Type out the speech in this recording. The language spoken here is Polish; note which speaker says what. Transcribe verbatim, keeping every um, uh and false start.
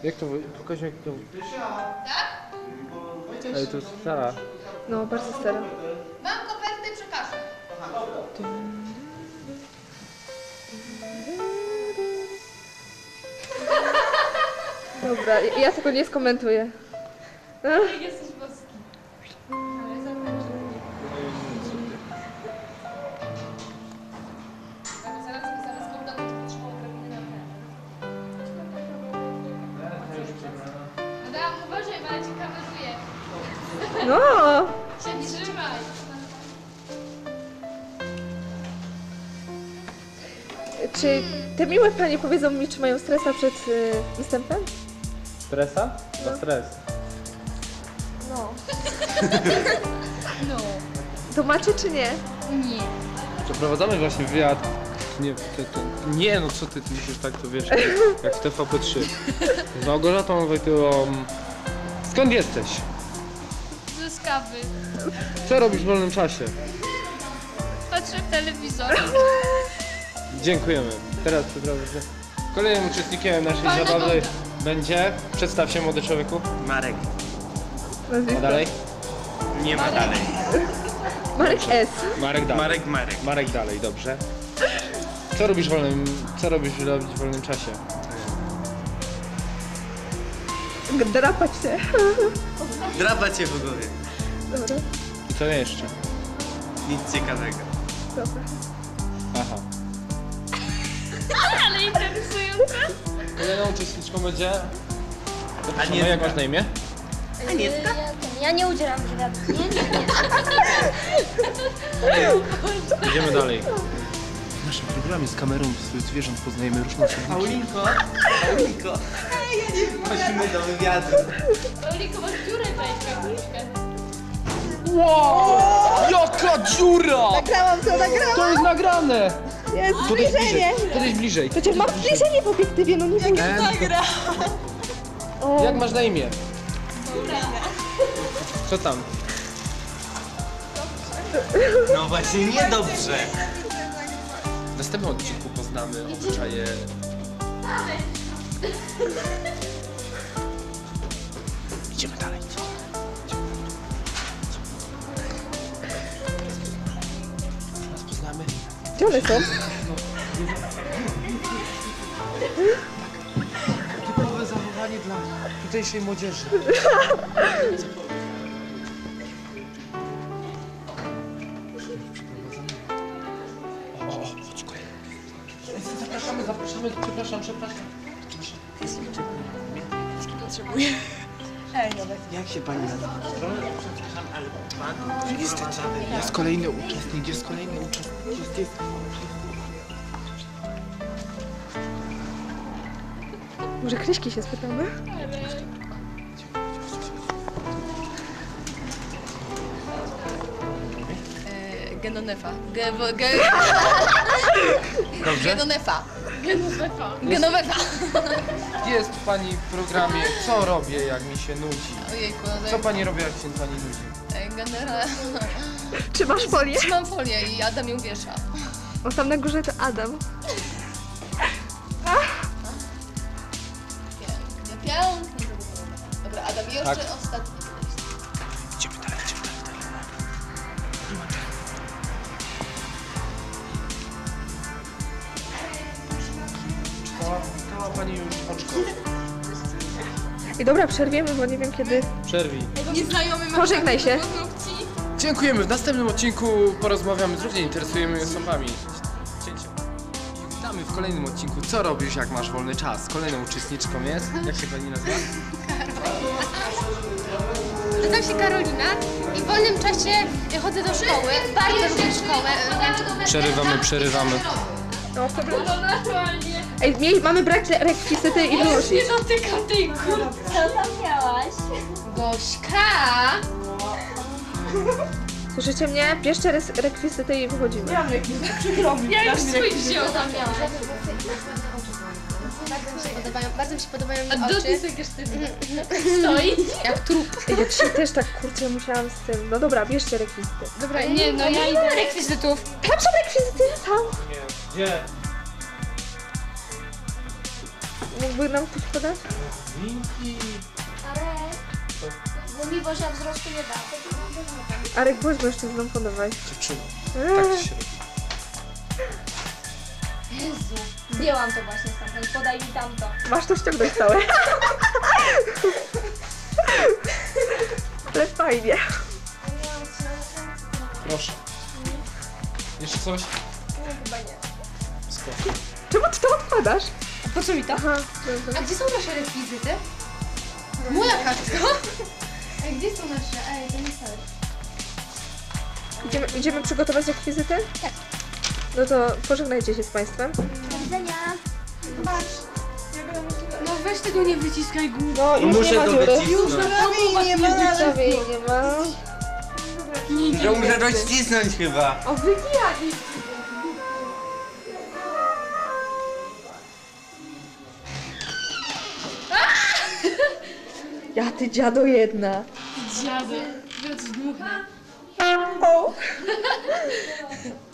Speaker 1: Jak to... Pokaż mi jak to...
Speaker 2: Tak?
Speaker 1: Ej, to stara.
Speaker 3: No, bardzo stara.
Speaker 2: Mam kopertę, przekażę.
Speaker 3: Dobra, ja, ja tego nie skomentuję.
Speaker 2: Jesteś boski. Ale zaraz zaraz zaraz go uda, to potrzeba odrobiny na ten. Adam, uważaj, bo ja cię kameruję.
Speaker 3: No!
Speaker 2: Się trzymaj.
Speaker 3: Czy te miłe panie powiedzą mi, czy mają stresa przed y, występem?
Speaker 1: Stresa? Za stres.
Speaker 3: No.
Speaker 2: No.
Speaker 3: To macie czy nie?
Speaker 2: Nie.
Speaker 1: Przeprowadzamy właśnie wywiad. Nie, to, to, nie no co ty, ty musisz tak to wiesz, jak w T V P trzy. Z Małgorzatą Wojtyłą. Skąd jesteś?
Speaker 2: Z kawy.
Speaker 1: Co robisz w wolnym czasie?
Speaker 2: Patrzę w telewizor.
Speaker 1: Dziękujemy. Teraz przeprowadzę. Kolejnym uczestnikiem naszej
Speaker 2: Fajna
Speaker 1: zabawy
Speaker 2: woda.
Speaker 1: będzie... Przedstaw się, młody człowieku.
Speaker 4: Marek.
Speaker 1: A dalej?
Speaker 4: Nie ma dalej.
Speaker 3: Marek S.
Speaker 1: Marek dalej.
Speaker 4: Marek, Marek.
Speaker 1: Marek dalej, dobrze. Co robisz w wolnym... Co robisz robić w wolnym czasie?
Speaker 3: Drapać się.
Speaker 4: Drapać się w głowie.
Speaker 3: Dobra,
Speaker 1: I co jeszcze?
Speaker 4: Nic ciekawego.
Speaker 3: dobra.
Speaker 1: Aha.
Speaker 2: Ale interesujące.
Speaker 1: Kolejną uczestniczką będzie...
Speaker 4: Anielka.
Speaker 1: No jak masz na imię?
Speaker 5: Anielska? Ja, ja nie udzielam wywiadu. Nie, nie, nie.
Speaker 1: Idziemy dalej. W naszym programie z kamerą zwierząt poznajemy różne osobniki.
Speaker 4: Paulinko. Paulinko. Chodźmy do wywiadu.
Speaker 2: Paulinko, masz dziurę tutaj, krótkę.
Speaker 1: Wow! Jaka dziura!
Speaker 3: Nagrałam to, nagrałam!
Speaker 1: To jest nagrane!
Speaker 3: Jest
Speaker 1: Podejdź
Speaker 3: zbliżenie!
Speaker 1: bliżej, podejdź bliżej.
Speaker 3: Przecież mam zbliżenie w obiektywie, no nie wiem.
Speaker 1: Em,
Speaker 3: O,
Speaker 1: Jak masz na imię? Co tam?
Speaker 4: No właśnie, niedobrze.
Speaker 1: W następnym odcinku poznamy obyczaje... Idziemy dalej. Teraz poznamy...
Speaker 3: gdzie one są?
Speaker 1: Typowe zachowanie dla tutejszej młodzieży. O, o, chodź kolejny. Zapraszamy, zapraszamy, przepraszam, przepraszam.
Speaker 4: Jak się pani nazywa? Przepraszam, ale pan...
Speaker 1: Niestety, jest kolejny uczestnik, jest kolejny uczestnik, jest, jest.
Speaker 3: Może Kryśki się spytamy?
Speaker 2: Genonefa. Ge, ge,
Speaker 1: Dobrze?
Speaker 2: Genonefa. Genowefa. Genowefa.
Speaker 1: Jest pani w programie Co robię, jak mi się nudzi?
Speaker 2: Ojejku, no
Speaker 1: Co pani robi, jak się pani nudzi?
Speaker 2: generalnie
Speaker 3: Czy masz folię?
Speaker 2: trzymam folię i Adam ją wiesza.
Speaker 3: O, tam na górze to Adam.
Speaker 2: Pięknie, pięknie. Dobra, Adam, jeszcze
Speaker 1: Tak.
Speaker 2: ostatni.
Speaker 1: Idziemy dalej, idziemy dalej, dalej. Czytała, czytała pani już oczko.
Speaker 3: I dobra, przerwiemy, bo nie wiem kiedy.
Speaker 1: Przerwij.
Speaker 2: Nieznajomy ma
Speaker 3: Pożegnaj się.
Speaker 2: paznokci.
Speaker 1: Dziękujemy. W następnym odcinku porozmawiamy z równie interesującymi osobami. Cięcie. I witamy w kolejnym odcinku Co robisz, jak masz wolny czas? Kolejną uczestniczką jest... Jak się pani nazywa?
Speaker 5: Nazywam się Karolina i w wolnym czasie chodzę do szkoły. Bardzo lubię szkołę.
Speaker 1: Przerywamy, przerywamy.
Speaker 3: No, w
Speaker 2: No naturalnie.
Speaker 3: Ej, miej, mamy brak re- rekwizyty i wyłożyć.
Speaker 2: Nie dotyka tej kurtki.
Speaker 5: Co tam miałaś?
Speaker 2: Gośka!
Speaker 3: Słyszycie mnie? Bierzcie res- rekwizyty i wychodzimy.
Speaker 2: Ja już swój wziął.
Speaker 5: Podobają, bardzo mi się podobają
Speaker 2: A
Speaker 5: mi
Speaker 2: do
Speaker 5: oczy.
Speaker 2: tej sobie sztywny. Stoi.
Speaker 3: Jak trup. Ej, ja dzisiaj też tak, kurczę, musiałam z tym. No dobra, bierzcie rekwizyty.
Speaker 5: Dobra,
Speaker 2: Nie, no ja
Speaker 5: nie
Speaker 2: idę.
Speaker 5: mam rekwizytów.
Speaker 3: Tam są rekwizyty, tam.
Speaker 1: Gdzie?
Speaker 3: mógłby nam ktoś podać?
Speaker 1: Linki.
Speaker 2: Ale... Bo mi Boża wzrostu nie da.
Speaker 3: Arek, bądź mężczyzną, podawaj.
Speaker 1: Dziewczyno.
Speaker 3: Eee.
Speaker 1: Tak ci się robi.
Speaker 2: Jezu. Zdjęłam to właśnie stamtąd, podaj mi tamto.
Speaker 3: Masz to ściągnąć całe. Ale fajnie.
Speaker 1: Proszę. Jeszcze coś?
Speaker 2: No chyba nie.
Speaker 1: Spoko.
Speaker 3: Czemu ty to odkładasz?
Speaker 5: Po co mi to?
Speaker 3: Aha,
Speaker 5: A
Speaker 3: dobra.
Speaker 5: gdzie są nasze rekwizyty? Moja kartka. Ej, gdzie są nasze? Ej, to nie stary.
Speaker 3: Idziemy, idziemy przygotować rekwizyty?
Speaker 5: Tak.
Speaker 3: No to pożegnajcie się z Państwem.
Speaker 2: Do widzenia.
Speaker 5: No weź tego nie wyciskaj głupio.
Speaker 3: No już
Speaker 4: Muszę
Speaker 3: nie ma
Speaker 4: to
Speaker 3: dziury.
Speaker 4: wycisnąć.
Speaker 5: nie ma.
Speaker 3: Prawie jej nie ma.
Speaker 4: To muszę dościsnąć chyba.
Speaker 3: O, wybijali! Ja ty dziado jedna.
Speaker 5: Dziady. Teraz dmuchnę.
Speaker 3: O!